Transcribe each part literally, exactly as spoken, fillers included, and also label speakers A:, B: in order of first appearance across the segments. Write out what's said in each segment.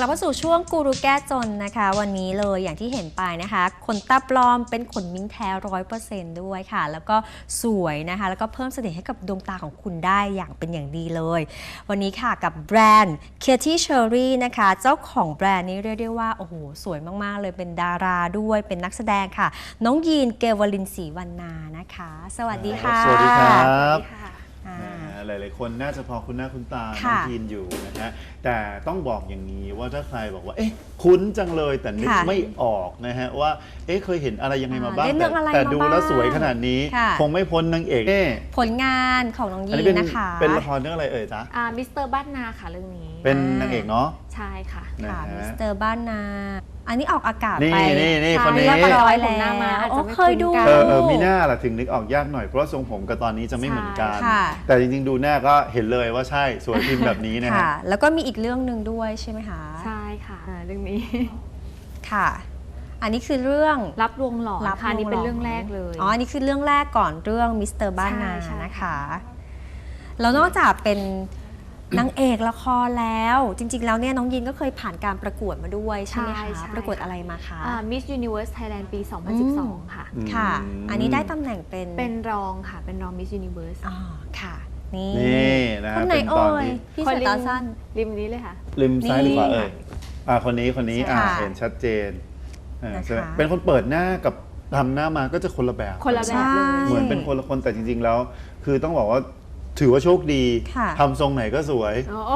A: ลับมาสู่ช่วงกูรูแก้จนนะคะวันนี้เลยอย่างที่เห็นไปนะคะขนตาปลอมเป็นขนมิ้งแท้ร้อยเปอร์เซนต์ด้วยค่ะแล้วก็สวยนะคะแล้วก็เพิ่มเสน่ห์ให้กับดวงตาของคุณได้อย่างเป็นอย่างดีเลยวันนี้ค่ะกับแบรนด์ Katy Cherry นะคะเจ้าของแบรนด์นี้เรียกได้ว่าโอ้โหสวยมากๆเลยเป็นดาราด้วยเป็นนักแสดงค่ะน้องยีนเกวลินศรีวรรณานะคะสวัสดีค่ะ
B: สวัสดีครับ
A: อ่า
B: หลายๆคนน่าจะพอคุ้นหน้าคุ้นตาน้
A: ค่ะ
B: องยีนอยู่นะฮะแต่ต้องบอกอย่างนี้ว่าถ้าใครบอกว่าเอ๊ะคุ้นจังเลยแต่นึก
A: ค่ะ
B: ไม่ออกนะฮะว่าเอ๊ะเคยเห็นอะไรยังไงมาบ้าง
A: เล่นเรื่องอะไร
B: แต่
A: มา
B: ดู
A: บ้าง
B: แล้วสวยขนาดนี้
A: ค่ะ
B: คงไม่พ้นนางเอกเอ๊ะ
A: ผลงานของน้องยี
B: อันนี้
A: น
B: เป็น
A: นะคะ
B: เป็นละครเรื่องอะไรเอ่ยจ๊ะ
C: อ่ามิสเตอร์บ้านนาค่ะเรื่องนี้
B: เป็นนางเอกเนาะ
C: ใช่ค่ะ
B: นะ
A: ค่ะ
B: ฮะ
A: มิสเตอร์บ้านนาอันนี้ออกอากาศ
B: นี่
A: ไป
B: นี่นี่
C: ใช่
B: คนนี้
A: เรียบร้อย
C: ผมหน้ามา
A: แล้ว
C: อาจจะ
A: โอ้
C: ไม่
A: เคยดู
C: คุ้นกัน
B: เออเออมีหน้าล่ะถึงนึกออกยากหน่อยเพราะว่าทรงผมกับตอนนี้จะไม่เหมือนกัน
A: ค่ะ
B: แต่จริงๆดูหน้าก็เห็นเลยว่าใช่สวยพิมพ์แบบนี้นะฮะ
A: ค่ะ แล้วก็มีอีกเรื่องหนึ่งด้วยใช่ไหมคะ
C: ใช่ค่ะอ่าเรื่องนี้
A: ค่ะ อันนี้คือเรื่อง
C: รับลวงหลอนค่ะอันนี้เป็นเรื่องแรกเลย
A: อ๋ออันนี้คือเรื่องแรกก่อนเรื่องมิสเตอร์บ้านนา
C: ใช่ใช่
A: นะคะแล้วนอกจากเป็นนางเอกละครแล้ว จริง ๆ แล้วเนี่ยน้องยินก็เคยผ่านการประกวดมาด้วยใช่ไหมคะประกวดอะไรมาคะ
C: มิสยูนิเวิร์สไทยแลนด์ปี สองพันสิบสอง ค่ะ
B: อืม
A: ค่ะ อันนี้ได้ตำแหน่งเป็น
C: เป็นรองค่ะ เป็นรองมิสยูนิเวิร์ส
A: อ๋อค่ะ นี่
B: นี่นะ
A: คน
B: ฮะ
A: ไหน
B: เป็นตอ
A: เอ่
B: น
A: ย
B: ที่
A: พี่สายตาสั้น
C: ริมนี้เลยค่ะ
B: ริมซ้ายหรือขวา
A: นี่
B: เอ่ยอ่าคนนี้คนนี้อ่า
A: ค่ะ
B: เห็นชัดเจนอ่า
A: นะคะ
B: ใช่ไหมเป็นคนเปิดหน้ากับทำหน้ามาก็จะคนละแบบ
C: คนละแบบ
A: ใช่
B: เหมือนเป็นคนละคนแต่จริง ๆ แล้ว คือต้องบอกว่าถือว่าโชคดี
A: ค่ะ
B: ทำทรงไหนก็สวย
C: อ๋อ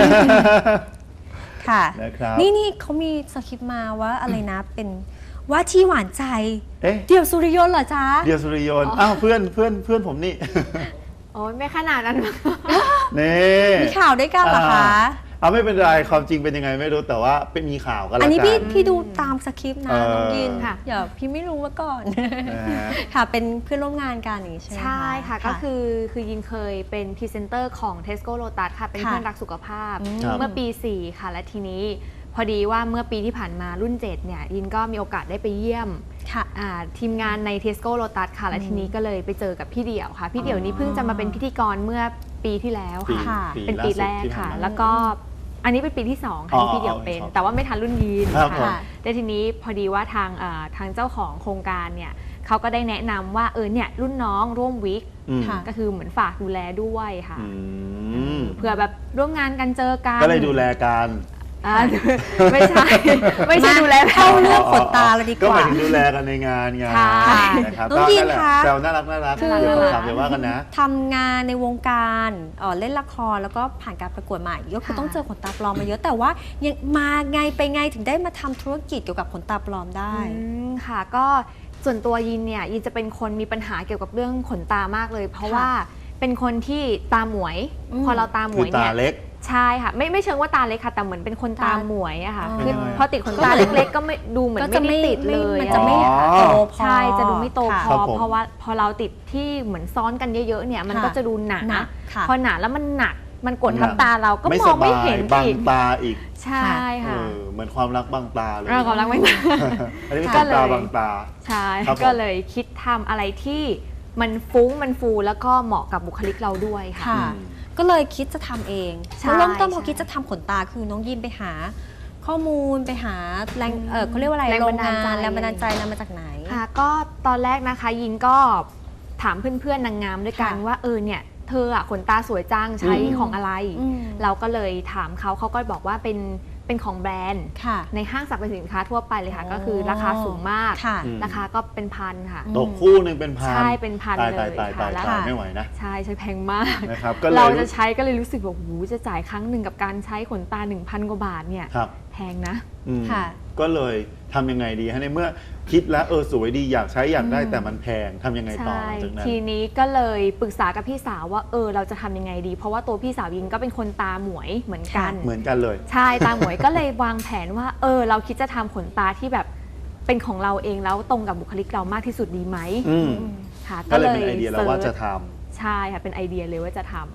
A: ค่ะ
B: นะครับ
A: นี่นี่เขามีสคริปต์มาว่าอะไรนะเป็นว่าที่หวานใจ
B: เอ๊ะ
A: เดี่ยวสุริยนต์เหรอจ๊ะ
B: เดียวสุริยนต์อ้าวเพื่อนเพื่อนเพื่อนผมนี่
C: โอ้ยไม่ขนาดนั้น
B: นี่
A: มีข่าวด้วยกันเหรอคะ
B: เอาไม่เป็นไรความจริงเป็นยังไงไม่รู้แต่ว่าเป็นมีข่าวกัน
A: อัน
B: ละ
A: นี้
B: กั
A: พี่
B: น
A: พี่ดูตามสคริปต์นะ
B: เออ
A: น้องยิน
C: ค่ะ
A: อย่าพี่ไม่รู้มาก่อน
B: นะฮะ
A: ค่ะเป็นเพื่อนร่วมงานกันอย่างนี้ใช่ไหม
C: ใช่ค่ะก็คือคือยินเคยเป็นพรีเซนเตอร์ของ Tesco Lotus ค่ะ เป็น
A: ค่ะ
C: เพื่อนรักสุขภาพ
A: อืม
C: เมื่อปี สี่ ค่ะ และทีนี้พอดีว่าเมื่อปีที่ผ่านมารุ่น เจ็ด เนี่ย ยินก็มีโอกาสได้ไปเยี่ยม
A: ค่ะ
C: อ่าทีมงานใน Tesco Lotus ค่ะ และทีนี้ก็เลยไปเจอกับพี่เดี่ยวค่ะ พี่เดี่ยวนี้เพิ่งจะมาเป็นพิธีกรเมื่อปีที่แล้ว
B: ปี
C: ค่ะ
A: ค่ะ
C: เป็นปีแรก
B: ล่าสุดที่ผ่า
C: ค่ะ
B: นมา
C: แล้วก็อันนี้เป็นปีที่สองค่ะ
B: อ๋อ
C: ที่พี่เดี่ยวเป็น
B: อ๋อ
C: แต่ว่าไม่ทันรุ่นยีน
B: ครับผม
C: ค่ะแต่ทีนี้พอดีว่าทางเอ่อทางเจ้าของโครงการเนี่ยเขาก็ได้แนะนำว่าเออเนี่ยรุ่นน้องร่วมวิก
B: อืม
A: ค่ะ
C: ก็คือเหมือนฝากดูแลด้วยค่ะ
B: อืม
C: เผื่อแบบร่วมงานกันเจอกัน
B: ก็เลยดูแลกัน
C: อ่าไม่ใช่ ไม่ใช่ดูแล
A: เข้าเรื่องขนตาเลยดีก
B: ก็ห
A: ว่า
B: มายถึงดูแลกันในงานไง
C: ใช่
B: นะครับ
A: น้องยีน
B: ก็แหละ
A: คะ
B: แซวน่ารักน่ารัก
A: คือ
B: เดี๋ยวคำถามเดี๋ยวว่ากันนะ
A: ทำงานในวงการเอ่อเล่นละครแล้วก็ผ่านการประกวดมาอีกก็คือ
C: ค่ะ
A: ต้องเจอขนตาปลอมมาเยอะแต่ว่ายังมาไงไปไงถึงได้มาทำธุรกิจเกี่ยวกับขนตาปลอมได้
C: อืมค่ะก็ส่วนตัวยินเนี่ยยินจะเป็นคนมีปัญหาเกี่ยวกับเรื่องขนตามากเลย เพราะ
A: ค่ะ
C: ว่าเป็นคนที่ตาหมวย
A: อืม
C: พอเราตาหม
B: คื
C: ว
B: อย
C: เนี่
B: ตาย เล็ก
C: ใช่ค่ะไม่ไม่เชิงว่าตาเล็กค่ะแต่เหมือนเป็นคนตา
A: ตา
C: หมวยอะค่ะ
A: อ๋อ
C: คือพอติดขนตาเล็กๆ ก็ไม่ดูเหมือน
A: ก็
C: ไม่
A: จะ
C: ได้ติดเลย
A: มัน
C: อะ
A: จะไม่
B: อ๋อ
A: โตพอ
C: ใช่จะดูไม่โต
A: ค่ะ
C: พ
B: ครั
C: อบ
B: ผม
C: เพราะว่าพอเราติดที่เหมือนซ้อนกันเยอะๆเนี่ยมัน
A: ค่ะ
C: ก็จะดูหนา
A: หนักค่ะ
C: พอหนาแล้วมันหนักมันกดทับตาเราก็
B: ไม่
C: ม
B: ส
C: องไม่
B: บาย
C: เห็น
B: บัง
C: อีก
B: ตาอีก
C: ใช่
B: เอ
C: ค่ะ
B: อเหมือนความรักบังตาเลย
C: เราความรักไม่มา
B: อันนี้เป็น
C: ก็
B: ขน
C: เลย
B: ตาบังตา
C: ใช่
B: ครับผม
C: ก็เลยคิดทำอะไรที่มันฟุ้งมันฟูแล้วก็เหมาะกับบุคลิกเราด้วยค่ะ
A: ค่ะ
B: อืม
A: ก็เลยคิดจะทำเอง
C: ใช่
A: แล้วเริ่มต้นพอ
C: ใช่
A: คิดจะทำขนตาคือน้องยินไปหา ข้อมูลไปหาแรงเออเขาเรียกว่าอะไร
C: แรง
A: โร
C: บั
A: ง
C: นดาล
A: งา
C: ใจ
A: นแรงบันดาลใจนำมาจากไหน
C: ค่ะก็ตอนแรกนะคะยินก็ถามเพื่อนๆนางงามด้วยกัน
A: ค่ะ
C: ว่าเออเนี่ยเธออะขนตาสวยจังใช้
B: อืม
C: ของอะไร
A: อืม
C: เราก็เลยถามเขาเขาก็บอกว่าเป็นเป็นของแบรนด์
A: ค่ะ
C: ในห้างสรรพสินค้าทั่วไปเลยค่ะ
A: อ๋อ
C: ก็คือราคาสูงมาก
A: ค่ะ
B: อืม
C: ราคาก็เป็นพันค่ะ
A: อืม
B: ตกคู่หนึ่งเป็นพัน
C: ใช่เป็นพัน
B: ตาย
C: เล
B: ตาย
C: ย
B: ตาย
C: ค่ะ
B: ตาย
C: แล้ว
B: ตายไม่ไหวนะ
C: ใช่ใช้แพงมาก
B: นะครับก็เลย
C: เราจะใช้ก็เลยรู้สึกว่าโอ้โหจะจ่ายครั้งหนึ่งกับการใช้ขนตา หนึ่งพัน กว่าบาทเนี่ย
B: ครับ
C: แพงนะ
B: อืม
A: ค่ะ
B: ก็เลยทำยังไงดีฮะในเมื่อคิดแล้วเออสวยดีอยากใช้อยากได้
A: อืม
B: แต่มันแพงทำยังไงต่อ
C: ใช่
B: จากนั้น
C: ทีนี้ก็เลยปรึกษากับพี่สาวว่าเออเราจะทำยังไงดี เพราะว่าตัวพี่สาวยิงก็เป็นคนตาหมวยเหมือนกัน
B: เหมือนกันเลย
C: ใช่ตาหมวยก็เลยวางแผนว่าเออเราคิดจะทำขนตาที่แบบเป็นของเราเองแล้วตรงกับบุคลิกเรามากที่สุดดีไหม
B: อืม
C: ค่ะ
B: ก็เลยเป็นไอเดียแล้วว่าจะทำ
C: ใช่ค่ะเป็นไอเดียเลยว่าจะทำ
B: ครับ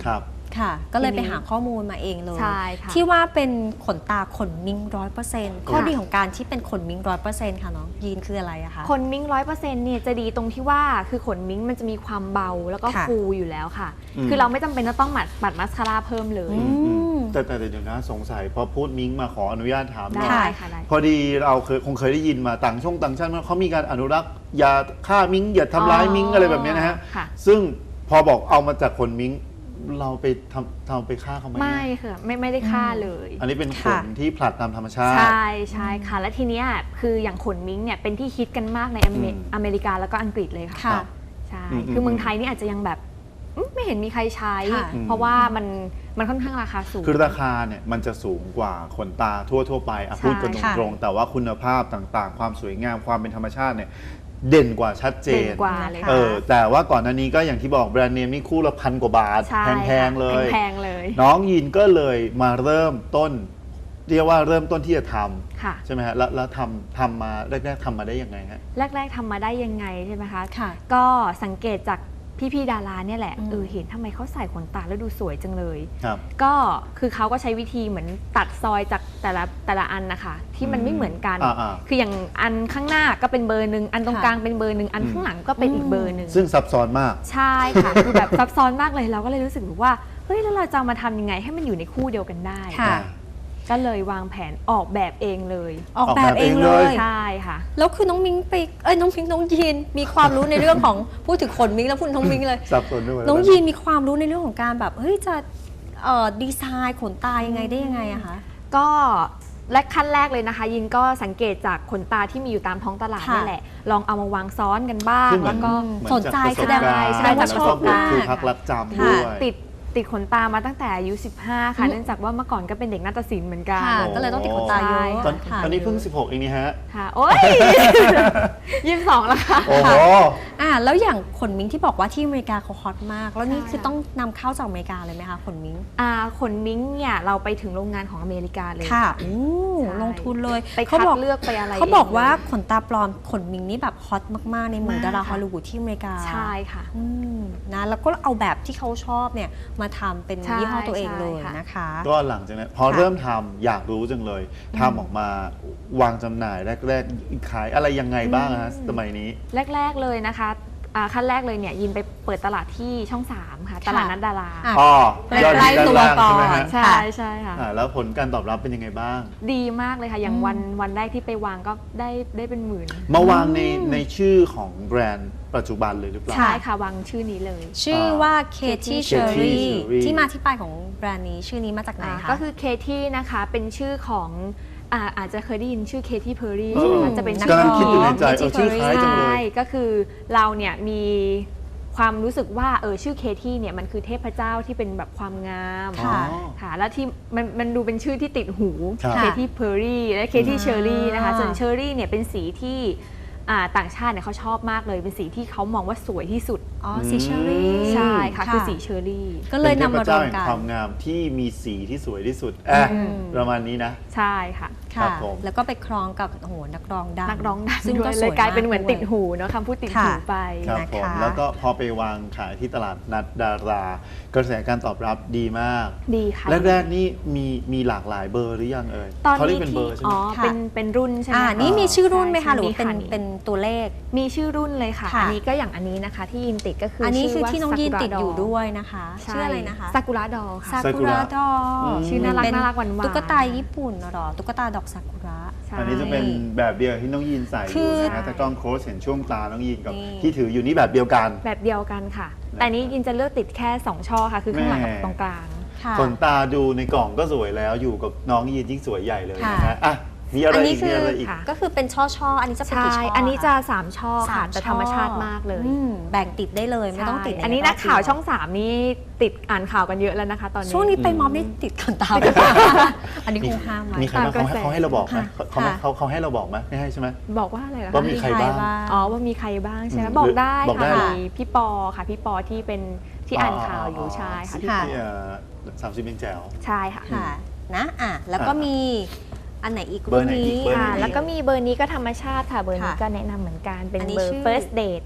A: ค่ะ ก็เลย
C: ที
A: ไป
C: นี้
A: หาข้อมูลมาเองเลย
C: ใช่ค่ะ
A: ที่ว่าเป็นขนตาขนมิงร้อยเปอร์เซ็นต์ข้อดีของการที่เป็นขนมิงร้อยเปอร์เซ็นต์ค่ะน้องยีนคืออะไรอะคะ
C: ขนมิ้งร้อยเปอร์เซ็นต์เนี่ยจะดีตรงที่ว่าคือขนมิ้งมันจะมีความเบาแล้วก็
A: ค่ะ
C: ฟูอยู่แล้วค่ะ
B: อืม
C: คือเราไม่จำเป็นจะต้องหมัดปัดมัสคาร่าเพิ่มเลย
A: อืม
B: แต่แต่แต่เดี๋ยวนะสงสัยพอพูดมิ้งมาขออนุญาตถามหน่อย
C: ได้ค่ะได้
B: พอดีเราเคยคงเคยได้ยินมาต่างช่องต่างชาติเขามีการอนุรักษ์อย่าฆ่ามิ้งอย่าทำร้ายมิ้งอะไรแบบเนี้ยนะฮะ
C: ค่ะ
B: ซึ่งพอบอกเอามาจากขนมิ้งเราไปทำทำไปฆ่าเขาไหม
C: ไม่ค่ะไม่ไม่ได้ฆ่าเลย
B: อันนี้เป็นข
A: ค่ะ
B: นที่ผลัดตามธรรมชาติ
C: ใช่ใช่ค่ะ และทีเนี้ยคืออย่างขนมิ้งเนี่ยเป็นที่ฮิตกันมากในอเม
B: อืม
C: อเมริกาแล้วก็อังกฤษเลยค่ะ
A: ค่ะ
C: ใช่
B: อืม
C: คือเมืองไทยนี่อาจจะยังแบบอืมไม่เห็นมีใครใช้
A: ค่ะ
C: เพราะว่ามันมันค่อนข้างราคาสูง
B: คือราคาเนี่ยมันจะสูงกว่าขนตาทั่วทั่วๆไปอ่ะ
C: ใช่
B: พูดกัน
A: ค่ะ
B: ตรงๆแต่ว่าคุณภาพต่างๆ ความสวยงามความเป็นธรรมชาติเนี่ยเด่นกว่าชัดเจ
C: เด่น
B: น
C: กว่าเลย
A: ค่ะ
B: เออแต่ว่าก่อนหน้านี้ก็อย่างที่บอกแบรนด์เนมนี่คู่ละพันกว่าบาท
C: ใช่
B: แพงๆเลย
C: แพงๆเลย
B: น้องยินก็เลยมาเริ่มต้น เรียกว่าเริ่มต้นที่จะท
C: ค่ะ
B: ำใช่ไหมฮะแล้วแล้วทำทำมาแรกๆทำมาได้ยังไงฮะ
C: แรก ๆทำมาได้ยังไงใช่ไหมคะ
A: ค่ะ
C: ก็สังเกตจากพี่ๆดาราเนี่ยแหละ
A: อืม
C: เออเห็นทำไมเขาใส่ขนตาแล้วดูสวยจังเลย
B: ครับ
C: ก็คือเขาก็ใช้วิธีเหมือนตัดซอยจากแต่ละแต่ละอันนะคะที่มันไม่เหมือนกัน
B: อ่าๆ
C: คืออย่างอันข้างหน้าก็เป็นเบอร์หนึ่งอันตรง
A: ค่ะ
C: กลางเป็นเบอร์หนึ่งอัน
B: อืม
C: ข้างหลังก็เป็นอีกเบอร์หนึ่ง
B: ซึ่งซับซ้อนมาก
C: ใช่ค่ะ คือแบบซับซ้อนมากเลยเราก็เลยรู้สึกแบบว่าเฮ้ยแล้วเราจะเอามาทำยังไงให้มันอยู่ในคู่เดียวกันได้
A: ค่ะ
C: ก็เลยวางแผนออกแบบเองเลย
A: ออกแบบเองเลย
C: ใช่ค่ะ
A: แล้วคือน้องมิงไปเอ้ยน้องมิงน้องยีนมีความรู้ในเรื่องของ พูดถึงขนมิงแล้วพูดถึงน้องมิงเลย
B: ซับซ้อนด้วย
A: น้องยีนมีความรู้ในเรื่องของการแบบเฮ้ยจะเอ่อดีไซน์ขนตายังไงได้ยังไงอะคะ
C: ก็และขั้นแรกเลยนะคะ ยินก็สังเกตจากขนตาที่มีอยู่ตามท้องตลาด
A: ค่ะ
C: นี่แหละ ลองเอามาวางซ้อนกันบ้าง
B: คือเหมื
C: แล้
B: อน
C: วก็
B: เหมือ
A: สนใจ
B: จากประ
A: แสดงว่า
B: การณ์
A: แสดงว่าชอบ
B: แล้วก็
A: มาก
B: ครูพักรักจำ
A: ค่ะ
B: ด้วย
C: ติดติดขนตามาตั้งแต่อายุสิบห้าค่ะ
A: อืม
C: เนื่องจากว่าเมื่อก่อนก็เป็นเด็กนาฏศิลป์เหมือนกัน
A: ค่ะ ก็เลยต้องติดขนตาเยอะ
B: ตอน
A: ค่ะ
B: ตอนนี้เพิ่งสิบหกเองนี่ฮะ
C: ค่ะ โอ๊ย ยี่สิบสองแล้วค่ะ
B: โอ้โห
A: อ่าแล้วอย่างขนมิงที่บอกว่าที่อเมริกาเขาฮอตมาก แล้วนี่
C: ใช่
A: คือต้องนำเข้าจากอเมริกาเลยไหมคะขนมิง
C: อ่าขนมิ้งเนี่ยเราไปถึงโรงงานของอเมริกาเลย
A: ค่ะอู้
C: ใช่
A: ลงทุนเลย
C: ไป
A: เขา
C: คัด
A: บอก
C: เลือกไปอะไร
A: เขาบอกว่า
C: เง
A: ขนตาปลอมขนมิงนี่แบบฮอตมากๆในหมู่
C: มาก
A: ดารา
C: ค่ะ
A: ฮอลลีวูดที่อเมริกา
C: ใช่ค่ะ
A: อืมนะแล้วก็เอาแบบที่เขาชอบเนี่ยมาทำเป็น
C: ใช่
A: ยี่ห้อตัวเอง
C: ใช่
A: เลย
C: ค่ะ
A: นะคะ
B: ก็หลังจากนั้นพอ
A: ค่ะ
B: เริ่มทำอยากรู้จังเลยทำออกมาวางจำหน่ายแรกๆขายอะไรยังไงบ้างฮะสมัยนี้
C: แรก ๆเลยนะคะอ่าขั้นแรกเลยเนี่ยยินไปเปิดตลาดที่ช่องสามค่ะ ตลาดนัดดารา
A: อ่ะ
B: อ๋อ
A: ใกล้
B: ยอด
A: ใกล้
B: ด้าน
A: ตัว
B: ล่าง
A: ก่อ
B: ใช่ไหม
A: น
B: ฮะ
C: ใช่ใช่ค่ะ
B: อ่าแล้วผลการตอบรับเป็นยังไงบ้าง
C: ดีมากเลยค่ะ อย่าง
A: อืม
C: วันวันแรกที่ไปวางก็ได้ได้เป็นหมื่น
B: มาวางในในชื่อของแบรนด์ปัจจุบันเลยหรือเปล่า
C: ใช่ค่ะวางชื่อนี้เลย
A: ชื่อว่า Katy
C: Katy
A: Cherry
B: Cherry
A: ที่มาที่ไปของแบรนด์นี้ชื่อนี้มาจากไหน
C: อ่า
A: คะ
C: ก็คือเคที่นะคะเป็นชื่อของอ่าอาจจะเคยได้ยินชื่อเคที่เพอร์รี่
B: เอ
C: ใช่ไหม
B: อ
C: คะจะเป็นนัก
B: กำลัง
C: ร้อง
B: คิดอยู่ในใจ
A: Katy
B: เออชื่อคล้ายจังเล
C: ใช่
B: ย
C: ก็คือเราเนี่ยมีความรู้สึกว่าเออชื่อเคที่เนี่ยมันคือเทพเจ้าที่เป็นแบบความงาม
A: ค่ะ
C: ค่ะแล้วที่มันมันดูเป็นชื่อที่ติดหู
B: ครับ
C: เคที่เพอร์รี่และเคที่เชอรี่นะคะส่วนเชอรี่เนี่ยเป็นสีที่อ่าต่างชาติเนี่ยเขาชอบมากเลยเป็นสีที่เขามองว่าสวยที่สุด
A: อ๋อสีเชอรี่
B: อืม
C: ใช่ค่ะคือสีเชอรี่
A: ก็เลยนำมารวม
B: เป็นเทพเจ้าแห่ง
A: กัน
B: ความงามที่มีสีที่สวยที่สุดอ่ะ
A: อืม
B: ประมาณนี้นะ
C: ใช่ค่ะ
B: ครั
A: ค่ะ
B: บผม
A: แล้วก็ไปคล้องกับโอ้โหนักร้องดัง
C: นักร้องดัง
A: ซึ่ง
C: ด้ว
A: ก็
C: ย
A: ส
C: เล
A: วย
C: ยกลายเป็นเหมือน
A: มาก
C: ติดหูเนาะคำพูดติดหู
A: ค่ะ
C: ไป
B: ครับ
A: นะคะ
B: ผมแล้วก็พอไปวางขายที่ตลาดนัดดารากระแสการตอบรับดีมาก
C: ดีค่ะ
B: แรกๆนี่มีมีหลากหลายเบอร์หรือยังเอ่ย
C: ตอน
B: เขาเรีย
C: นี้
B: กเป็นเบอ
C: ที่
B: ร์ใช่ไห
C: อ๋
B: ม
C: อ
A: ค่ะ
C: เป็นเป็นรุ่นใช่ไหม
A: อ่า
C: คะ
A: นี่มีชื่อรุ่นไหม
C: ใช่
A: คะหรือว่าเป็น
C: มีค่ะ
A: เป็นตัวเลข
C: มีชื่อรุ่นเลยค่ะ
A: ค่ะ
C: อันนี้ก็อย่างอันนี้นะคะที่ยินติดก็คือ
A: อั
C: อั
A: นนี้คือที่น้องยีนติดอยู่ด้วยนะคะ
C: ใช่
A: ชื่ออะไรนะคะ
C: ซากุระดอค่ะ
A: ซากุระดอ
B: อืม
C: ชื่อน่ารัก
A: เป็
C: น่ารักหวานๆ
A: ตุ๊กตาญี่ปุ่นเหรอตุ๊กตาดอกซากุระ
C: ใช่
B: อันนี้จะเป็นแบบเดียวที่น้องยีนใส่อ
A: คื
B: ยู่
A: อ
B: นะฮะแต่กล้องโคสเห็นช่วงตาน้องยีนกับ
A: นี่
B: ที่ถืออยู่นี่แบบเดียวกัน
C: แบบเดียวกันค่ะ แต่อันนี้ยินจะเลือกติดแค่สองช่อค่ะ คือข้างหลังกับ
B: แม่
C: ตรงกลาง
A: ค่ะ
B: ขนตาดูในกล่องก็สวยแล้วอยู่กับน้องยีนยิ่งสวยใหญ่เลยนะ
A: ค่ะ
B: ฮะอ่ะมีอะไร
A: อันนี้
B: อีก
A: คื
B: มี
A: อ
B: อะไรอีก
C: ค่ะ
A: ก็คือเป็นช่อช่อๆอันนี้จะเป็น
C: ใช่
A: กี่ช่อ
C: อั
A: อั
C: นนี้จะสามช่อค่ะ
A: สาม
C: แต่ธรรมชาติมากเลย
A: อืมแบ่งติดได้เลยไม่ต้องติด
C: ใช่
A: ใ
C: อันนี้นักข่าวช่องสามนี่ติดอ่านข่าวกันเยอะแล้วนะคะ ตอนนี้
A: ช่วงนี้ไป
B: อืม
A: ม็อบนี่ติดขนตาไปอันนี้คงห้ามไว้
B: มีใครบ้าง
C: ตามก
B: เขา
C: ระแส
B: ให้เขาให้เราบอกไหมเขาเขา
A: ค่ะ
B: เขาเขาให้เราบอกไหมไม่ให้ใช่ไหม
C: บอกว่าอะไรล่ะ
B: ว่า
C: คะ
B: มีใครบ้าง
C: อ๋อว่ามีใครบ้างใช่ไหม
B: อืม
C: บอกได้
B: บอกได้
C: ค่ะ
B: เหรอ
C: มีพี่ปอค่ะพี่ปอที่เป็นที่อ่านข่าวอยู่ใช่ค่ะพี่
A: ค่ะ
C: ปอ
B: ที่สามสิบเป็นแจ๋ว
C: ใช่ค่ะ
A: ค่ะนะอ่ะแล้วก็
B: อ่ะ
A: มีอันไหนอีก
B: เบอร์ไหนอีก
A: นี้
B: เบอร์ไหน
C: ค่ะ
B: อีก
C: แล้วก็มีเบอร์นี้ก็ธรรมชาติค่ะ เบอร์นี้
A: ค่ะ
C: ก็แนะนำเหมือนกันเป็น
A: อันนี้
C: เบอร์
A: ชื่อ
C: first date ค่ะ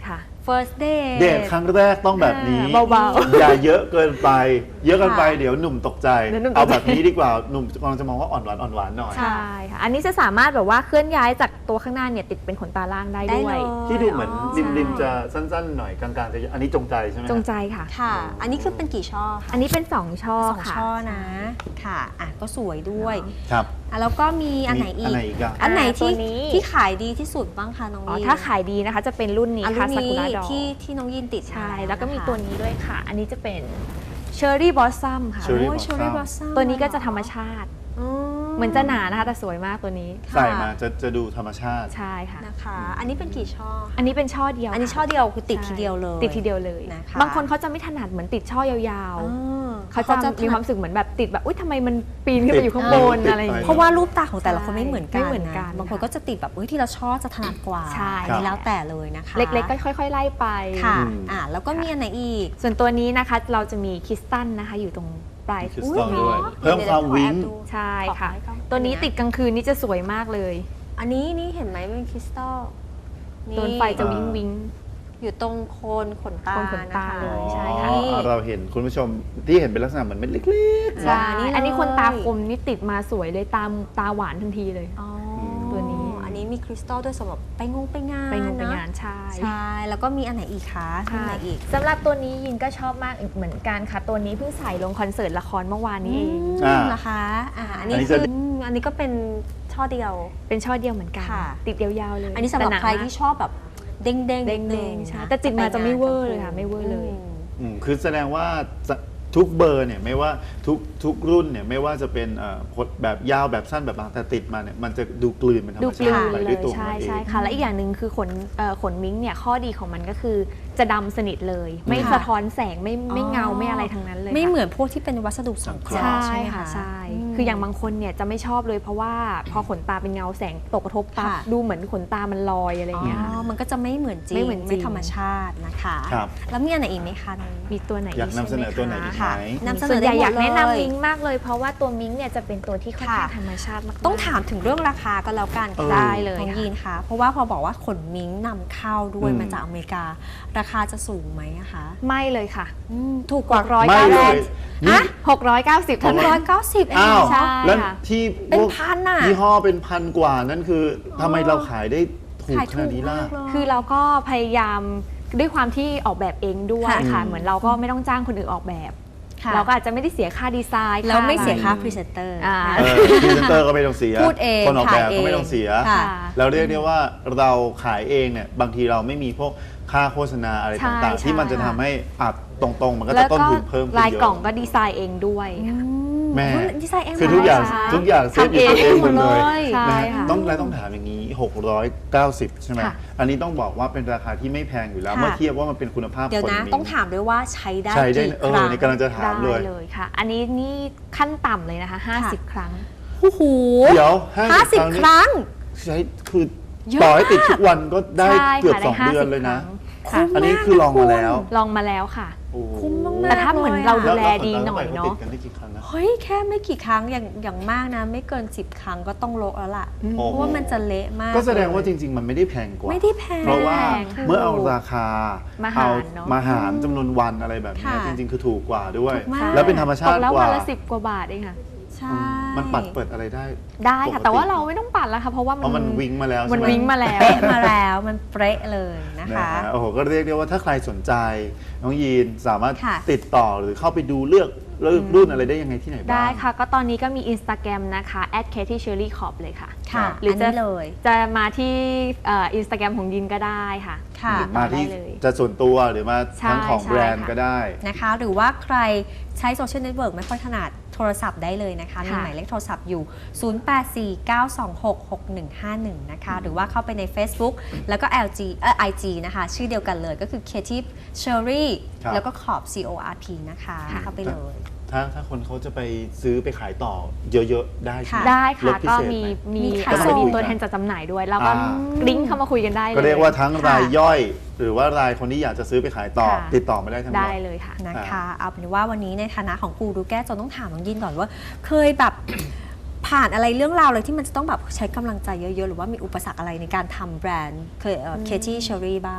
A: first date
B: เดทครั้งแรกต้องแบบนี้
C: เบาๆ
B: อย่าเยอะเกินไป เยอะเกินไป
A: ค่ะ
B: เดี๋ยวหนุ่มตกใจ
C: เดี๋ยวหนุ่มตกใจ
B: เอาแบบนี้ดีกว่าหนุ่มกำลังจะมองว่าอ่อนหวานอ่อนหวานหน่อย
C: ใช่ค่ะ อันนี้จะสามารถแบบว่าเคลื่อนย้ายจากตัวข้างหน้าเนี่ยติดเป็นขนตาล่างได้
A: ได้
C: ด้ว
A: เลย ย
B: ที่ดูเหมือน
A: อ๋อ
B: ริมริมๆจะสั้นๆหน่อยกลางๆจะอันนี้จงใจใช่ไหม
C: จงใจค่ะ
A: ค่ะ อันนี้คือเป็นกี่ช่อคะ
C: อันนี้เป็นสองช่อ
A: สอง
C: ค่ะ
A: ช่อนะ ค่ะ อ่ะ ก็สวยด้วย
B: ครับ
A: อ่ะแล้วก็มีอันไหนอี
B: อัน
A: ก
B: ไหนอีกอะ
A: อันไหนที่
C: ตัวนี้
A: ที่ขายดีที่สุดบ้างคะน้อง
C: อ๋อ
A: ยิน
C: ถ้าขายดีนะคะจะเป็นรุ่นนี้
A: อัน
C: ค่ะ
A: รุ่น
C: ซากุ
A: นี้
C: ระดอ
A: ที่ที่น้องยินติด
C: ใช่
A: มา
C: แล้วก็มี
A: นะคะ
C: ตัวนี้ด้วยค่ะ อันนี้จะเป็นเชอร์รี่บอสซัมค่ะ
B: Cherry
A: โอ้ย
B: Blossom
A: Cherry Blossom
C: ตัวนี้ก็จะธรรมชาติ
A: อืม
C: เหมือนจะหนานะคะแต่สวยมากตัวนี้
B: ใส่มาจะจะดูธรรมชาติ
C: ใช่ค่ะ
A: นะคะ อันนี้เป็นกี่ช่อคะ
C: อันนี้เป็นช่อเดียว
A: อันนี้
C: ค่ะ
A: ช่อเดียวคือติด
C: ใช่
A: ทีเดียวเลย
C: ติดทีเดียวเลย
A: นะคะ
C: บางคนเขาจะไม่ถนัดเหมือนติดช่อยาว
A: อ๋อ
C: ๆเขาจะมีความรู้สึกเหมือนแบบติดแบบอุ้ยทำไมมันปีนขึ้นไปอยู่ข้างบน
B: ติด
C: อะไรอย่าง
B: ไป
C: เงี้ย
A: เพราะว่ารูปตาของแต่ละคนไม่เหมือนกัน
C: ไม่เหมือนกัน
A: นะบางคนก็จะติดแบบเอ้ยที่เราชอบจะถนัดกว่า
C: ใช่
A: อันนี้แล้วแต่เลยนะคะ
C: เล็กๆก็ค่อย ๆ ไล่ไป
A: ค่ะ
B: อืม
A: อ่ะแล้วก็มีอันไหนอีก
C: ส่วนตัวนี้นะคะเราจะมีคริสตัลนะคะอยู่ตรงปลาย
B: คริส
A: อุ๊
B: ตัล
A: ย
B: ด้วย
A: เหรอ
B: เพิ่มความวิ้ง
A: เดี๋ยวๆขอแอบดู
C: ใช่ค่ะ
A: ขอให้กล้อง
C: ตัวนี้ติดกลางคืนนี่จะสวยมากเลย
A: อันนี้นี่เห็นไหมเป็นคริสตัล
C: โดนไฟจะวิงวิง
A: อยู่ตรงโคนขนตา
C: โคนขนตา
A: นะคะ
C: เลยใช่
B: อ๋
C: ค่ะ
B: อเราเห็นคุณผู้ชมที่เห็นเป็นลักษณะเหมือนเม็ดเล็กๆ
C: ใช่
A: นี่เลย
C: อันนี้คนตาคมนี่ติดมาสวยเลยตาตาหวานทันทีเลย
A: อ๋อ
C: ตัวนี้
A: อันนี้มีคริสตัลด้วยสำหรับไปงงไปงาน
C: ไปงงไป
A: นะ
C: งานใช่
A: ใช่ แล้วก็มีอันไหนอีกคะมีอันไหนอีก
C: สำหรับตัวนี้ยินก็ชอบมากอีกเหมือนกันค่ะ ตัวนี้เพิ่งใส่ลงคอนเสิร์ตละครเมื่อวานนี้เอง
A: อื
B: อ่า
A: มนะคะอ่าอันนี้
B: อันนี้
A: คื
B: จะ
A: ออืมอันนี้ก็เป็นช่อเดียว
C: เป็นช่อเดียวเหมือนกัน
A: ค่ะ
C: ติดยาวๆเลย
A: อันนี้สำหรับ
C: แต่า
A: ใครที่ชอบแบบเด้งๆ
C: เด้ง
A: นิ
C: ๆ
A: ดนึง
C: ใช่
A: นะ
C: แต่ติดมาจะไม่
A: ปงน
C: เวอร์เลยค่ะไม่เวอร์เลย
A: อืม
B: อืมคือแสดงว่าจะทุกเบอร์เนี่ยไม่ว่าทุกทุกรุ่นเนี่ยไม่ว่าจะเป็นเอ่อพดแบบยาวแบบสั้นแบบบางแต่ติดมาเนี่ยมันจะดูกลืนเป็นธรร
C: ดู
B: ม
C: กลื
B: ชาติ
C: น
B: ไป
C: เล
B: ด้วย
C: ย
B: ตัวของ
C: ใช่
B: มันเอง
C: ใช่ค่ะและอีกอย่างหนึ่งคือขนเอ่อขนมิ้งเนี่ยข้อดีของมันก็คือจะดำสนิทเลย ไม่
A: ค่ะ
C: สะท้อนแสงไม่ไม่
A: อ๋อ
C: เงาไม่อะไรทั้งนั้นเลย
A: ไม่
C: ค่ะ
A: เหมือนพวกที่เป็นวัสดุสังเคราะห์
C: ใช่
A: ใช่ไหม
C: ค่ะ
A: คะ
C: ใช่
A: ม
C: คืออย่างบางคนเนี่ยจะไม่ชอบเลยเพราะว่าพอขนตาเป็นเงาแสงตกกระทบปั๊บ
A: ค่ะ
C: ดูเหมือนขนตามันลอยอะไรอย่างเงี้ย
A: อ๋
C: ค่ะ
A: อมันก็จะไม่เหมือนจริง
C: ไม่เหมือนจริง
A: ธรรมชาตินะคะ
B: ครับ
A: แล้วมีอันไหนอีกไหมคะน้อง
C: มีตัวไหน
B: อยากนำเสนอตัวไหนอีกไหม
A: ค่ะนำเสน
C: ส่ว
A: อน
C: ใหญ่
A: ได้หมด
C: อยากแนะ
A: เลย
C: นำมิ้งมากเลย เพราะว่าตัวมิ้งเนี่ยจะเป็นตัวที่ค่อนข้าง
A: ค่ะ
C: ธรรมชาติมากๆ
A: ต้องถามถึงเรื่องราคาก็แล้วกัน
B: เออ
A: ค่ะ
C: ได้เลย
A: น้อง
C: ค่ะ
A: ยีนคะเพราะว่าพอบอกว่าขนมิ้งนำเข้าด้วย
B: อืม
A: มาจากอเมริกา ราคาจะสูงไหมอะคะ
C: ไม่เลยค่ะ
A: อืมถูกกว่า
C: ร้อย
B: ไม่
C: เก้า
B: เล
C: สิ
B: ย
C: บ
B: นี่
C: หกร้อยเก้าสิบ
A: หกร้อยเก้าสิบเอง
B: อ้าว
A: เหรอ
C: ใช่
B: แล้ว
C: ค่ะ
B: ที่
A: เป็น
B: พวก
A: พันน่ะ
B: ยี่ห้อเป็นพันกว่านั่นคือทำไมเราขายได้ถูก
A: ขาย
B: ข
A: ถู
B: นาก ดนี้ล่ะ
A: มากเลย
C: คือเราก็พยายามด้วยความที่ออกแบบเองด้วย
A: ค่ะ
C: ค่ะ
B: อืม
C: เหมือนเราก็ไม่ต้องจ้างคนอื่นออกแบบ
A: ค่ะ
C: เราก็อาจจะไม่ได้เสียค่าดีไซน์
A: แล้วไม่เสีย
C: อะร
A: ค่าพรีเซนเตอร์
C: อ่า
B: เออพรีเซนเตอร์ก็ไม่ต้องเสีย
A: พูดเอง
B: คนออกแบบ
A: ขายเอง
B: ก็ไม่ต้องเสีย
A: ค่ะ
B: แล้วเรียกได้ว่าเราขายเองเนี่ยบางทีเราไม่มีพวกค่าโฆษณาอะไร
C: ใช่
B: ต่างๆ ที่มันจะ
C: ใช่
B: ทำให้อัดตรงๆ มันก็
C: แล้
B: จะ
C: ว
B: ต้น
C: ก็
B: ทุนเพิ่มขึ้น
C: ลาย
B: เยอะ
C: กล่องก็ดีไซน์เองด้วย
A: อื
C: ค่ะ
A: ม
B: แม่
A: โอ้ยดีไซน์เอง
B: คือทุกอย่าง
A: เหร
B: ทุกอย่างเซฟอยู่ตัวเองหมดเลย
C: ใช่
B: นะฮะ
C: ค่ะ
B: ต้องแล้วต้องถามอย่างนี้ หกร้อยเก้าสิบ ใช่ไหม
C: ค่ะ
B: อันนี้ต้องบอกว่าเป็นราคาที่ไม่แพงอยู่แล้ว
A: ค่ะ
B: เมื่อเทียบว่ามันเป็นคุณภาพ
A: เดี๋ยว
B: คน
A: นะ
B: มิ้
A: ต้องถามด้วยว่าใช้ได้
B: ใช้ได้
A: กี่
B: เอ
A: ค
B: อ
A: รั้ง
B: ในกำลังจะถาม
C: ได้
B: เลย
C: เลยค่ะ อันนี้นี่ขั้นต่ำเลยนะคะ ห้าสิบ ครั้ง
A: โอ้โห
B: เดี๋ยว
A: ห้าสิบ
B: นี่
A: ครั้ง
B: ใช้คือ
A: เยอะ
B: ต่อให้ติดทุกวันก็ได้
C: ใช่
B: เกือบ
C: ค่ะ
B: สอง
C: ได้
B: เดือน
C: ห้าสิบ
B: เลยนะ
C: ครั้ง
A: คุ้ม
B: อันนี้
A: มาก
B: คือลองมาแล้ว
C: ลองมาแล้วค่ะ
B: โอ้โห
A: คุ้มมากๆ
C: แต่ถ้าเหมือนเรา
B: แล้
C: ดู
B: ว
C: แล
B: แล้ว
C: ดี
B: ข
C: หน่อย
B: ติ
C: เนาะ
B: ดกันได้กี่ครั้งนะ
A: เฮ้ยแค่ไม่กี่ครั้งอย่างอย่างมากนะ ไม่เกินสิบครั้งก็ต้องโละแล้วล่ะ
B: โอ้
A: เพราะว่ามันจะเละมาก
B: ก็แสดงว่า
A: เลย
B: จริง ๆ มันไม่ได้แพงกว่า
A: ไม่ได้แพง
B: เพราะว่า
C: ไม่แพง
B: เมื่อเอาราคา
C: มาหาร
B: เอา
C: เนอะ
B: มาหารจำนวนวันอะไรแบบนี้
A: ค่ะ
B: จริง ๆ คือถูกกว่าด้วย
A: ถูกมาก
B: แล้วเป็นธรรมชา
C: ต
B: ติ
C: กแล้ว
B: ก
C: วั
B: ว่า
C: นละสิบกว่าบาทเองค่ะ
A: ใช่
B: มันปัดเปิดอะไรได้
C: ได้ค่ะ
B: ปกติ
C: แต่ว่าเราไม่ต้องปัดแล้วค่ะ เพราะว่า
B: เพราะมันวิงมาแล้ว
C: มัน
B: ใช่ไห
C: วิงมาแล้ว
A: เป๊ะมาแล้วมันเป๊ะเลยนะ
B: นะคะ ฮะโอ้โหก็เรียกได้ว่าถ้าใครสนใจน้องยีนสามารถ
A: ค่ะ
B: ติดต่อหรือเข้าไปดูเลือกเลือกรุ่นอะไรได้ยังไงที่ไหนบ้าง
C: ได้ค่ะ ก็ตอนนี้ก็มี Instagram นะคะ แอท เค ที เชอร์รี่คอร์ป เลยค่ะ
A: ค่ะ
C: หรือ
A: อัน
C: จะ
A: นี้เลย
C: จะมาที่อินสตาแกรมของยินก็ได้ค่ะ
A: ค่ะ
B: หรือมาที่
C: ได้เลย
B: จะส่วนตัวหรือมา
C: ใช่
B: ทั้งของ
C: ใช่
B: แบรนด์
C: ค่ะ
B: ก็ได้
A: นะคะหรือว่าใครใช้โซเชียลเน็ตเวิร์กไม่ค่อยถนัดโทรศัพท์ได้เลยนะคะ มี
C: ค่ะ
A: หมายเลขโทรศัพท์อยู่ ศูนย์ แปด สี่ เก้า สอง หก หก หนึ่ง ห้า หนึ่ง นะคะ หรือว่าเข้าไปใน Facebook แล้วก็ แอล จี เอ่อ ไอ จี นะคะ ชื่อเดียวกันเลยก็คือ Creative Cherry
B: ครับ
A: แล้วก็ขอบ C O R P นะคะ
C: ค่ะ
A: เข้าไปเลย
B: ถ้าถ้าคนเขาจะไปซื้อไปขายต่อเยอะๆ ได้ใช่ไหม
C: ได้
B: ล
C: ค่ะ
B: ดพิ
C: ก็
B: เศษ
C: มี
B: ไหม
C: มี
A: มีขาย
C: ก็
A: ส่ง
C: มีตัวแทนจัดจำหน่ายด้วย แล้วก็
B: อ่า
C: ลิงก์เข้ามาคุยกันได้เลย
B: ก็เรียกว่าทั้ง
A: ค่ะ
B: รายย่อย หรือว่ารายคนที่อยากจะซื้อไปขายต่อ
C: ค่ะ
B: ติดต่อมาได้ทั้งหม
C: ได้
B: ด
C: เลยค่ะ
A: นะคะ
B: อ่า
A: เอาเป็นว่าวันนี้ในฐานะของกูรูแก้จนต้องถามน้องยินก่อนว่า เคยแบบ ผ่านอะไรเรื่องราวเลยที่มันจะต้องแบบใช้กำลังใจเยอะๆ หรือว่ามีอุปสรรคอะไรในการทำแบรนด์เคยเคที่เชอรี่บ้าง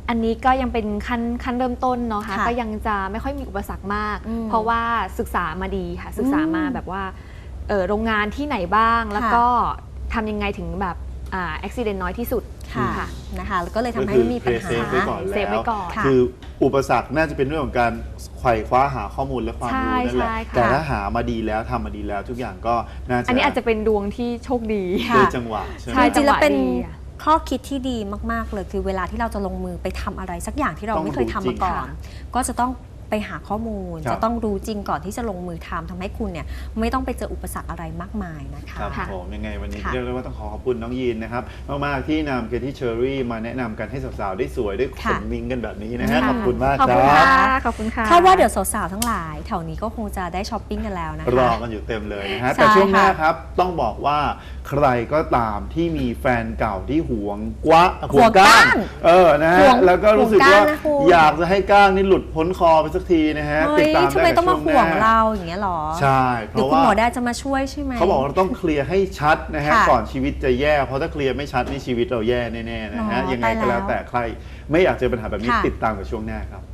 C: อันนี้ก็ยังเป็นขั้นขั้นเริ่มต้นเนาะค่ะ
A: ค่ะ
C: ก็ยังจะไม่ค่อยมีอุปสรรคมาก
A: อืม
C: เพราะว่าศึกษามาดีค่ะศึกษามา
A: อืม
C: แบบว่าเอ่อโรงงานที่ไหนบ้าง แล้ว
A: ค่ะ
C: ก็ทำยังไงถึงแบบอ่าอุบัติเหตุน้อยที่สุด
A: ค่ะ
C: ค่ะ
A: นะคะแล้วก็เลยทำให้
B: ก็คือ
A: ไม่มีปัญหา
B: เพย์เซฟไว้ก่อน
C: เซฟไว้ก่อน
A: ค่ะ
B: คืออุปสรรคน่าจะเป็นเรื่องของการไขว่คว้าหาข้อมูลและความรู้นั่นแหละ
C: ใช่ใช่ค่ะ
B: แต่ถ้าหามาดีแล้วทำมาดีแล้วทุกอย่างก็น่าจะ
C: อันนี้อาจจะเป็นดวงที่โชคดี
A: ค่ะ
B: ด้วยจังหวะใช่ไหม
C: ใช่
A: จริงๆแล้วเป็น
C: จังหวะดีอะ
A: ข้อคิดที่ดีมากๆเลยคือเวลาที่เราจะลงมือไปทำอะไรสักอย่างที่เรา
B: ต้อง
A: ไม่เคยทำ
B: รู้จริ
A: มาง ก่อน
C: ค่ะ
A: ก็จะต้องไปหาข้อมูล
B: ครับ
A: จะต้องรู้จริงก่อนที่จะลงมือทำทำให้คุณเนี่ยไม่ต้องไปเจออุปสรรคอะไรมากมายนะคะ
B: ครับ
C: ค่ะ
B: ผมยังไงวันนี้
A: ค่ะ
B: เรียกได้ว่าต้องขอขอบคุณน้องยีนนะครับมากๆที่นำเกที่เชอรี่มาแนะนำกันให้สาวๆได้สวยได้ข
A: ค่ะ
B: นมิงกันแบบนี้นะฮะ
A: ค่ะ
B: ขอบคุณมาก
C: ขอบ
B: ค
C: คุณ
B: รั
C: ค่ะ
B: บ
C: ขอบคุณค่ะ
A: คาดว่าเดี๋ยวสาวๆทั้งหลายแถวนี้ก็คงจะได้ช้อปปิ้งกันแล้วนะคะ
B: รอกันอยู่เต็มเลยนะฮะ
A: ใช่
B: แต่ช่วงหน้า
A: ค่ะ
B: ครับต้องบอกว่าใครก็ตามที่มีแฟนเก่าที่หวงกวะ
A: หวงก้าง
B: เออนะฮะ
A: หวง
B: แล้วก็รู้สึก
A: หวงก้าง
B: ว่า
A: นะคุณ
B: อยากจะให้ก้างนี่หลุดพ้นคอไปสักทีนะฮะ
A: เฮ้
B: ติด
A: ย
B: ตาม
A: ทำไม
B: ได้
A: ต้อง
B: ใน
A: มา
B: ช่วง
A: ห่
B: ห
A: ว
B: น้าง
A: เราอย่างเงี้ยหรอ
B: ใช่เพ
A: เดี๋ยว
B: ราะ
A: คุณ
B: ว่า
A: หมอได้จะมาช่วยใช่ไหม
B: เขาบอกว่าเราต้องเคลียร์ให้ชัดนะฮะ
A: ค่ะ
B: ก่อนชีวิตจะแย่เพราะถ้าเคลียร์ไม่ชัดนี่ชีวิตเราแย่แน่ๆนะฮะ
A: อ๋อ
B: ยังไงก็
A: ตายแล้
B: แล้ว วแต่ใครไม่อยากเจอปัญหาแบบนี้
A: ค่ะ
B: ติดตามกับช่วงหน้าครับ